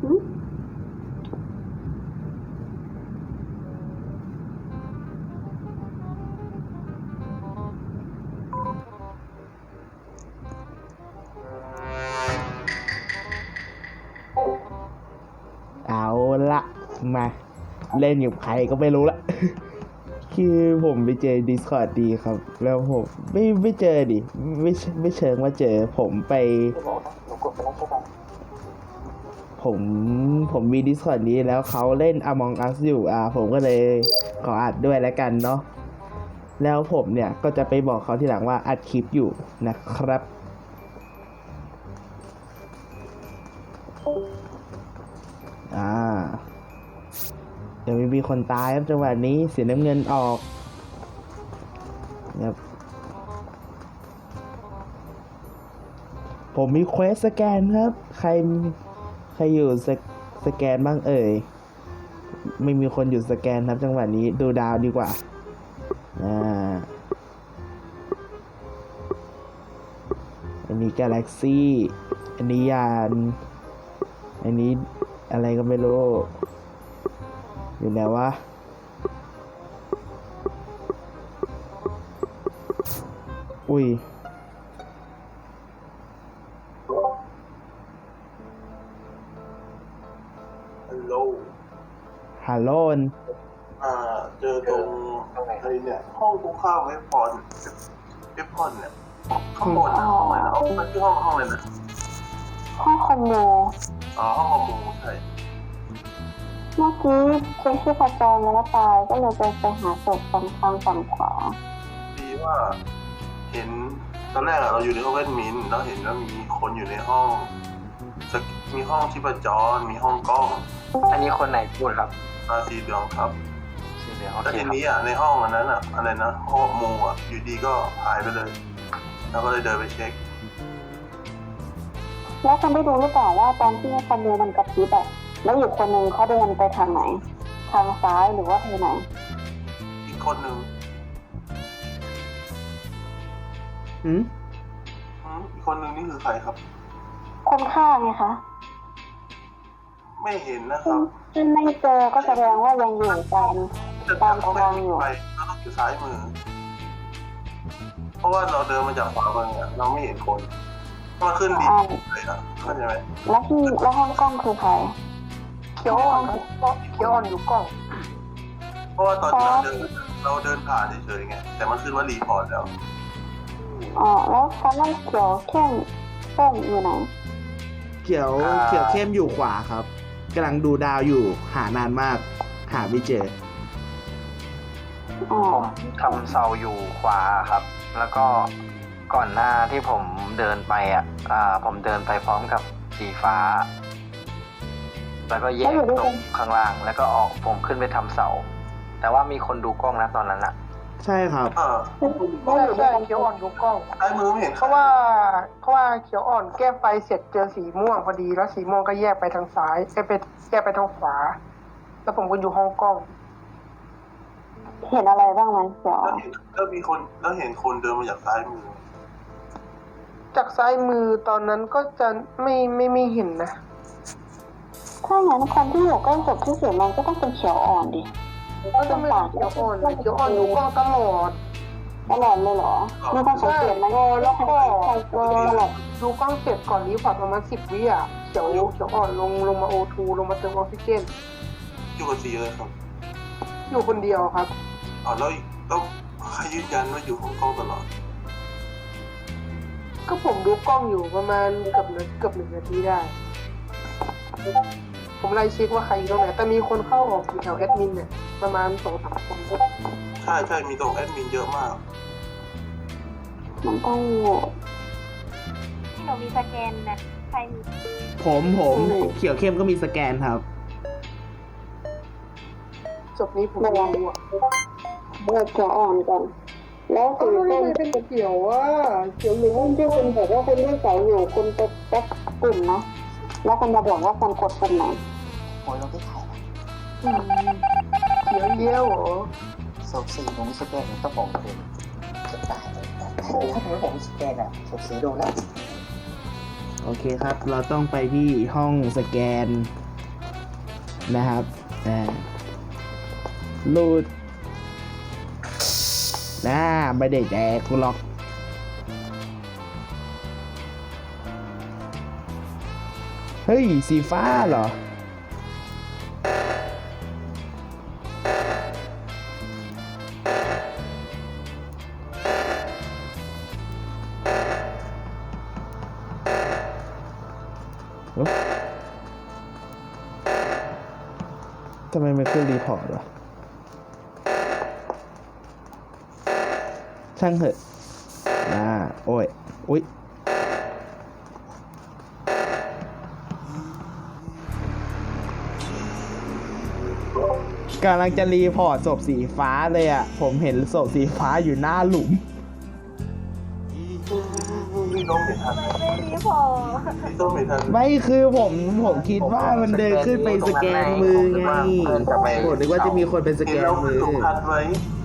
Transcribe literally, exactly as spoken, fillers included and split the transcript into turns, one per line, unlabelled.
เอาละมาเล่นอยู่ใครก็ไม่รู้ละ คือผมไปเจอ Discord ดีครับ แล้วผมไม่ไม่เจอดิไม่ไม่เชิงว่าเจอผมไปผมผมมี Discord นี้แล้วเขาเล่น Among Us อยู่อ่าผมก็เลยขออัดด้วยแล้วกันเนาะแล้วผมเนี่ยก็จะไปบอกเขาทีหลังว่าอัดคลิปอยู่นะครับอ่าเดี๋ยวมีคนตายครับจังหวะนี้เสียน้ำเงินออกครับผมมีเควสสแกนครับใครใครอยู่สสแกนบ้างเอ่ยไม่มีคนอยู่สแกนครับจังหวะนี้ดูดาวดีกว่าอ่าอันนี้กาแล็กซี่อันนี้ยานอันนี้อะไรก็ไม่รู้อยู่ไหนวะอุ้ย
ฮัลโหล
ฮัลโหล
อ่าเจอตรงอะไรเนี่ยห้องตรงข้ามเว็บพอนเว็บพอนเนี่ยข้างบนนะห้องอะไรนะมันชื่อห้องห้องอะไรนะ
ห้องคอมโม
อ๋อห้องคอมโมใช่
เมื่อกี้เช็คที่ประจรแล้วตายก็เลยไปไปหาศพตรงทางฝั่งขวา
ดีว่าเห็นตอนแรกเราอยู่ในห้องเวทมินแล้วเห็นว่ามีคนอยู่ในห้องมีห้องชีพจรมีห้องกล้อง
อันนี้คนไหนพูดครับ
อาสีเหลืองครับ
สีเหลือง
แล้วทีนี้อ่ะในห้องอันนั้นอ่ะอะไรนะห้องมูอ่ะอยู่ดีก็หายไปเลยแล้วก็เลยเดินไปเช็ค
แล้วคุณได้ดูหรือเปล่าว่าตอนที่คอมโมมันกระพริบอะแล้วอีกคนนึงเขาเดินไปทางไหนทางซ้ายหรือว่าทางไหน
อีกคนนึง
อืม
อีกคนนึงนี่คือใครครับ
คนฆ่าไงคะ
ไม่เห็นนะครับ
ถ้าไม่เจอก็แสดงว่ายังอยู่ตามตามทางอยู่
ไปเราต้องอยู่ซ้ายมือเพราะว่าเราเดินมาจากขวามือเราไม่เห็นคนมาขึ้นดีเลยนะเข้าใจไหม
แล้วที่แล้วห้องกล้องคือใคร
เขียวอ่อนเขียวอ่อนอยู่กล้อง
เพราะว่าตอนที่เราเดินเราเดินผ่านเฉยๆไงแต่มันขึ้นว่ารีพอร์ตแล้ว
อ๋อแล้วฟ้ามันเขียวเข้มส้มอยู่ไหน
เขียวเขียวเข้มอยู่ขวาครับกำลังดูดาวอยู่หานานมากหาไม่เจอ
ผมทำเซาอยู่ขวาครับแล้วก็ก่อนหน้าที่ผมเดินไปอ่ะอ่าผมเดินไปพร้อมกับสีฟ้าแล้วก็แยกตรงข้างล่างแล้วก็ออกผมขึ้นไปทำเสาแต่ว่ามีคนดูกล้องนะตอนนั้นอะ
ใช่ครับ
อ่า
ใช่ใช่เขียวอ่อนดูกล้อง
ซ้ายมือไม่เห็น
เพราะว่าเพราะว่าเขียวอ่อนแก้ไฟเสร็จเจอสีม่วงพอดีแล้วสีม่วงก็แยกไปทางซ้ายไปแยกไปทางขวาแล้วผมก็อยู่ห้องกล้อง
เห็นอะไรบ้างไหมเขียว
แล้วมีคนแล้วเห็นคนเดินมาจากซ้ายมือ
จากซ้ายมือตอนนั้นก็จะไม่ไม่ไม่เห็นนะ
ถ้างั้นคนที่อยู่ใกล้ศพที่สุดมันก็ต้องเป็นเขียวอ่อนดิ
ก็ต้องเป็นเขียวอ่อนเขียวอ่อนอยู่กล้องตลอด
ตลอดเลยเหรอมีคนสังเกตไหม
แล้วก็ดูกล้องเสร็จก่อนรีพอร์ตประมาณสิบวิอ่ะเขียวเขียวอ่อนลงลงมาโอทูลงมาเติมออกซิเจน
อยู่กับสีเลยครับ
อยู่คนเดียวครับ
อ๋อแล้วต้องใครยืนยันว่าอยู่ของกล้องตลอด
ก็ผมดูกล้องอยู่ประมาณเกือบเกือบหนึ่งนาทีได้ผมไล่เช็คว่าใครอยู่ตรงไหนแต่มีคนเข้าออกอยู่แถวแอดมินเนี่ยประมาณสองสามคน
ใช่ใช่มีตรงแอดมินเยอะมาก
มันต้อง
ที่หนูมีสแกนนะใครมี
ผมผมเขียวเข้มก็มีสแกนครับ
จบนี้ผมไม่รู้อ่ะ
เบิกเขียวอ่อนก่อนแล้ว
คือเป็นเป็นเขียวว่าเขียวเหลือง
ที่คุณบอกว่าคุณเลือกสายอยู่คุณไปแป๊กกลุ่มนะแล้วคุณจะบอกว่าคนกดปุ่มไหน
โอ้ยเราได้ถ่าย
เขียวเยี่ยวเหรอ
ศพสีของสแกนต้องบอกเลยจะตายเลยถ้าถึงผมสแกนอะศพสีโดนแล้ว
โอเคครับเราต้องไปที่ห้องสแกนนะครับอ่ารูดน่าไม่ได้แดกกูหรอกเฮ้ยสีฟ้าเหรอเอ้าทำไมมันขึ้นรีพอร์ตวะช่างเถอะอ่าโอ้ยอุ๊ยกำลังจะรีพอร์ตศพสีฟ้าเลยอ่ะ ผมเห็นศพสีฟ้าอยู่หน้าหลุม
พี่ต้องไม่ทัน
ไม่รีพอร์ต
พี่ต้องไม่ทัน
ไม่คือผมผมคิดว่ามันเดินขึ้นไปสแกนมือไงผมนึกว่าจะมีคนเป็นสแก
เห็น
น
เรา
มือ
ถูกพันไว้